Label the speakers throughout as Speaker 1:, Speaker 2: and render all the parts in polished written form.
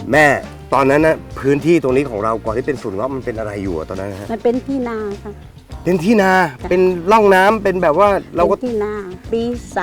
Speaker 1: แม่ตอนนั้นนะพื้นที่ตรงนี้ของเราก่อนที่เป็นสวนเงาะมันเป็นอะไรอยู่ตอนนั้นฮะ
Speaker 2: มันเป็นที่นาค่ะ
Speaker 1: เป็นที่นาเป็นร่องน้ำเป็นแบบว่าเราก็
Speaker 2: ที่นาปี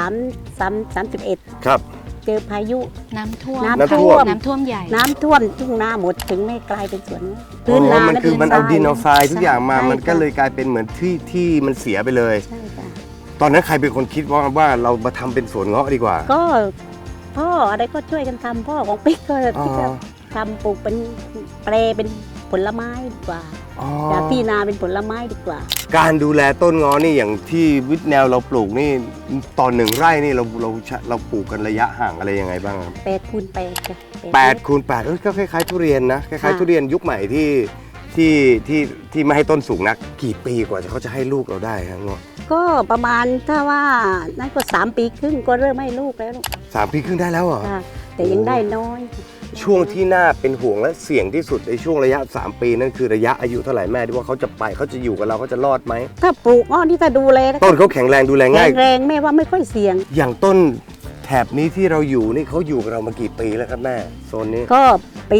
Speaker 2: 31ครับเจอพายุ
Speaker 3: น้ำท่วม
Speaker 2: น้ำท่วม
Speaker 3: ใหญ่
Speaker 2: น้ำท่วมทุ่งนาหมดถึงไม่กลายเป็นสวน
Speaker 1: พื้นนามันคือมันเอาดินเอาทรายทุกอย่างมามันก็เลยกลายเป็นเหมือนที่มันเสียไปเลย
Speaker 2: ใช่ค่ะ
Speaker 1: ตอนนั้นใครเป็นคนคิดว่าเรามาทำเป็นสวนเงาะดีกว่า
Speaker 2: ก็พ่ออะไรก็ช่วยกันทำพ่อของปิ๊กก็คิดว่าทำปลูกเป็นแปรเป็นผลไม้ดีกว่าจากที่นาเป็นผลไม้ดีกว่า
Speaker 1: การดูแลต้นเงาะนี่อย่างที่วิทย์แนวเราปลูกนี่ตอน1 ไร่นี่เราปลูกกันระยะห่างอะไรยังไงบ้างครับ
Speaker 2: 8x8จ้ะ
Speaker 1: 8x8ก็คล้ายๆทุเรียนนะคล้ายๆทุเรียนยุคใหม่ที่ไม่ให้ต้นสูงนักกี่ปีกว่าเขาจะให้ลูกเราได้ครับเงาะ
Speaker 2: ก็ประมาณถ้าว่านั่นก็3 ปีครึ่งก็เริ่มให้ลูกแล้ว
Speaker 1: 3 ปีครึ่งได้แล้วเหรอ
Speaker 2: แต่ยังได้น้อย
Speaker 1: ช่วงที่น่าเป็นห่วงและเสี่ยงที่สุดในช่วงระยะ3 ปีนั่นคือระยะอายุเท่าไหร่แม่ที่ว่าเขาจะไปเขาจะอยู่กับเราเขาจะรอดไหม
Speaker 2: ถ้าปลูกอ้อนี่ถ้าดูแล
Speaker 1: ต้นเขาแข็งแรงดูแลง่าย
Speaker 2: แข็งแรงแม่ว่าไม่ค่อยเสี่ยง
Speaker 1: อย่างต้นแถบนี้ที่เราอยู่นี่เขาอยู่กับเรามากี่ปีแล้วครับแม่โซนนี้
Speaker 2: ก็ปี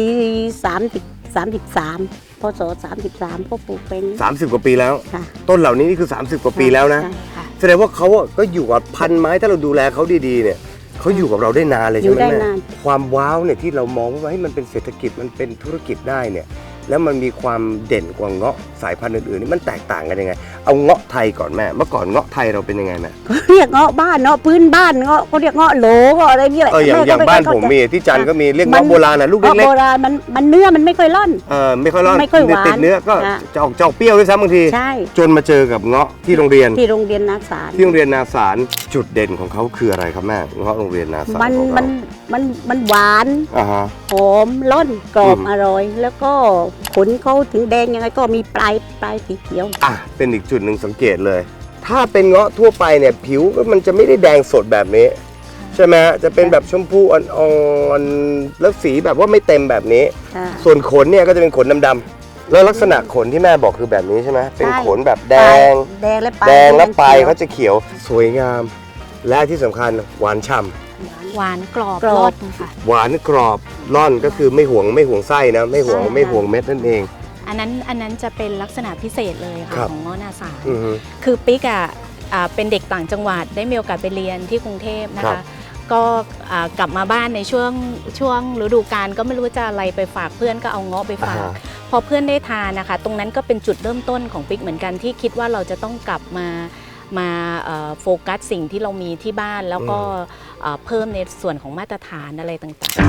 Speaker 2: 33พศ33ก็ปลูกเป็น
Speaker 1: 30 กว่าปีแล้วต้นเหล่านี้นี่คือ30 กว่าปีแล้วนะแสดงว่าเขาก็อยู่กับพันไม้ถ้าเราดูแลเขาดีๆเนี่ยเขาอยู่กับเราได้นานเลยใช่ไหมแม่ความว้าวเนี่ยที่เรามองว่าให้มันเป็นเศรษฐกิจมันเป็นธุรกิจได้เนี่ยแล้วมันมีความเด่นกว่าเงาะสายพันธุ์อื่นๆนี่มันแตกต่างกันยังไงเอาเงาะไทยก่อนแม่เมื่อก่อนเงาะไทยเราเป็นยังไงแม่
Speaker 2: เรียกเงาะบ้านเงาะพื้นบ้านเงาะเขาเรียกเงาะโหลอะไรนี่แหละ
Speaker 1: อย่างบ้านผมมีที่จันก็มีเรียกเงาะโบราณนะลูกเล็ก
Speaker 2: ๆโบราณมันเนื้อมันไม่ค่อยร่อน
Speaker 1: ไม่ค่อยร่อนติดเนื้อก็จะออกเปรี้ยวด้วยซ้ำบางทีจนมาเจอกับเงาะที่โรงเรียน
Speaker 2: นาสาร
Speaker 1: ที่โรงเรียนนาสารจุดเด่นของเขาคืออะไรครับแม่เงาะโรงเรียนนาสาร
Speaker 2: มันหวานหอมร่อนกรอบอร่อยแล้วก็ผลเขาถึงแดงยังไงก็มีปลายสีเขียว
Speaker 1: เป็นอีกจุดหนึ่งสังเกตเลยถ้าเป็นเงาะทั่วไปเนี่ยผิวมันจะไม่ได้แดงสดแบบนี้ใช่ไหมจะเป็นแบบชมพูอ่อนๆแล้วสีแบบว่าไม่เต็มแบบนี้ส่วนขนเนี่ยก็จะเป็นขนดำๆแล้วลักษณะขนที่แม่บอกคือแบบนี้ใช่ไหมเป็นขนแบบแดง
Speaker 2: และ
Speaker 1: ปลายเขาจะเขียวสวยงามและที่สำคัญหวานฉ่ำ
Speaker 3: หวานกรอบร่อนค่ะ
Speaker 1: หวานกรอบร่อนก็คือไม่ห่วงไส้นะไม่ห่วงเม็ดนั่นเอง
Speaker 3: อันนั้นจะเป็นลักษณะพิเศษเลยค่ะของเงาะนาสารคือปิ๊กเป็นเด็กต่างจังหวัดได้มีโอกาสไปเรียนที่กรุงเทพนะคะก็กลับมาบ้านในช่วงฤดูกาลก็ไม่รู้จะอะไรไปฝากเพื่อนก็เอาเงาะไปฝากพอเพื่อนได้ทานนะคะตรงนั้นก็เป็นจุดเริ่มต้นของปิ๊กเหมือนกันที่คิดว่าเราจะต้องกลับมาโฟกัสสิ่งที่เรามีที่บ้านแล้วก็เพิ่มในส่วนของมาตรฐานอะไรต่าง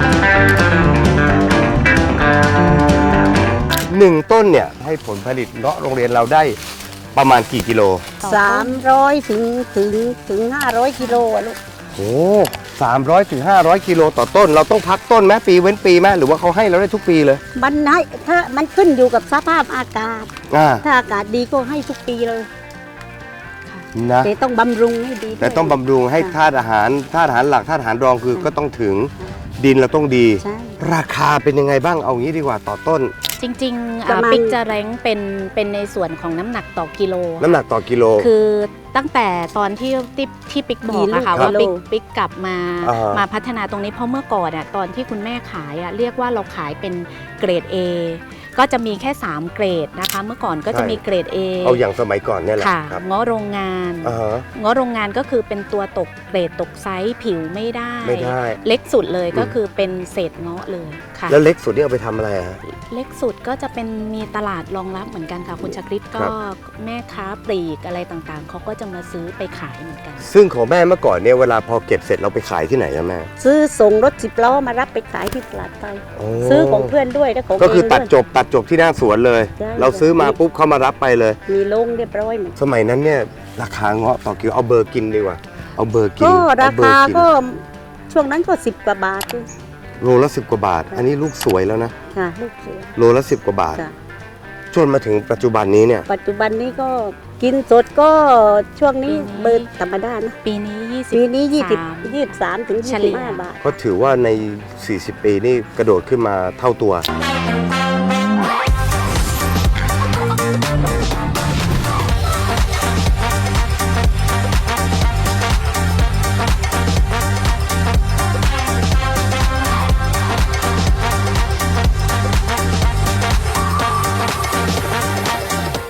Speaker 1: ๆ1 ต้นเนี่ยให้ผลผลิตเงาะโรงเรียนเราได้ประมาณกี่กิโล
Speaker 2: 300ถึง500 กิโลลูก
Speaker 1: โอ้300 ถึง 500 กิโลต่อต้นเราต้องพักต้นไหมปีเว้นปีไหมหรือว่าเขาให้เราได้ทุกปีเลย
Speaker 2: มันให้ถ้ามันขึ้นอยู่กับสภาพอากาศถ้าอากาศดีก็ให้ทุกปีเลยนะแต่ต้องบำรุงให้ดี
Speaker 1: แต่ต้องบำรุงให้ธาตุอาหารหลักธาตุอาหารรองคือก็ต้องถึงดินเราต้องดีราคาเป็นยังไงบ้างเอางี้ดีกว่าต่อต้น
Speaker 3: จริงๆปิ๊กจะแรงเป็นในส่วนของน้ำหนักต่อกิโลคือตั้งแต่ตอนที่ปิ๊กบอกนะคะว่าปิ๊กกลับมาพัฒนาตรงนี้เพราะเมื่อก่อนตอนที่คุณแม่ขายเรียกว่าเราขายเป็นเกรด A ก็จะมีแค่3 เกรดนะคะเมื่อก่อนก็จะมีเกรด A
Speaker 1: เอาอย่างสมัยก่อนเนี่ยแหละ
Speaker 3: ค่ะเงาะโรงงานเงาะโรงงานก็คือเป็นตัวตกเกรดตกไซส์ผิวไม่ได้เล็กสุดเลยก็คือเป็นเศษเงาะเลยค่ะ
Speaker 1: แล้วเล็กสุดนี่เอาไปทำอะไรฮะ
Speaker 3: เล็กสุดก็จะเป็นมีตลาดรองรับเหมือนกันค่ะคุณชคริตก็แม่ค้าปลีกอะไรต่างๆเขาก็จะมาซื้อไปขายเหมือนกัน
Speaker 1: ซึ่งของแม่เมื่อก่อนเนี่ยเวลาพอเก็บเสร็จเราไปขายที่ไหนอะแม่
Speaker 2: ซื้อส่งรถ10 ล้อมารับไปขายที่ตลาดไทยซื้อของเพื่อนด้วยแล้วของ
Speaker 1: ก็คือตัดจบที่หน้าสวนเลยเราซื้อมาปุ๊บเขามารับไปเลย
Speaker 2: มีลงเรียบร้อย
Speaker 1: สมัยนั้นเนี่ยราคาเงาะต่อกิโลเอาเบอร์กินดีกว่าเอาเบอร์กิน
Speaker 2: ก็ราคาก็ช่วงนั้นก็10 กว่าบาท
Speaker 1: โลละ10 กว่าบาทอันนี้ลูกสวยแล้วนะ
Speaker 2: ค่ะลูกสวย
Speaker 1: โลละ10 กว่าบาทจนมาถึงปัจจุบันนี้เนี่ย
Speaker 2: ปัจจุบันนี้ก็กินสดก็ช่วงนี้เบอร์ธรรมดานะ
Speaker 3: ปีนี้
Speaker 2: 23 ถึง 25 บาท
Speaker 1: ก็ถือว่าใน40 ปีนี่กระโดดขึ้นมาเท่าตัว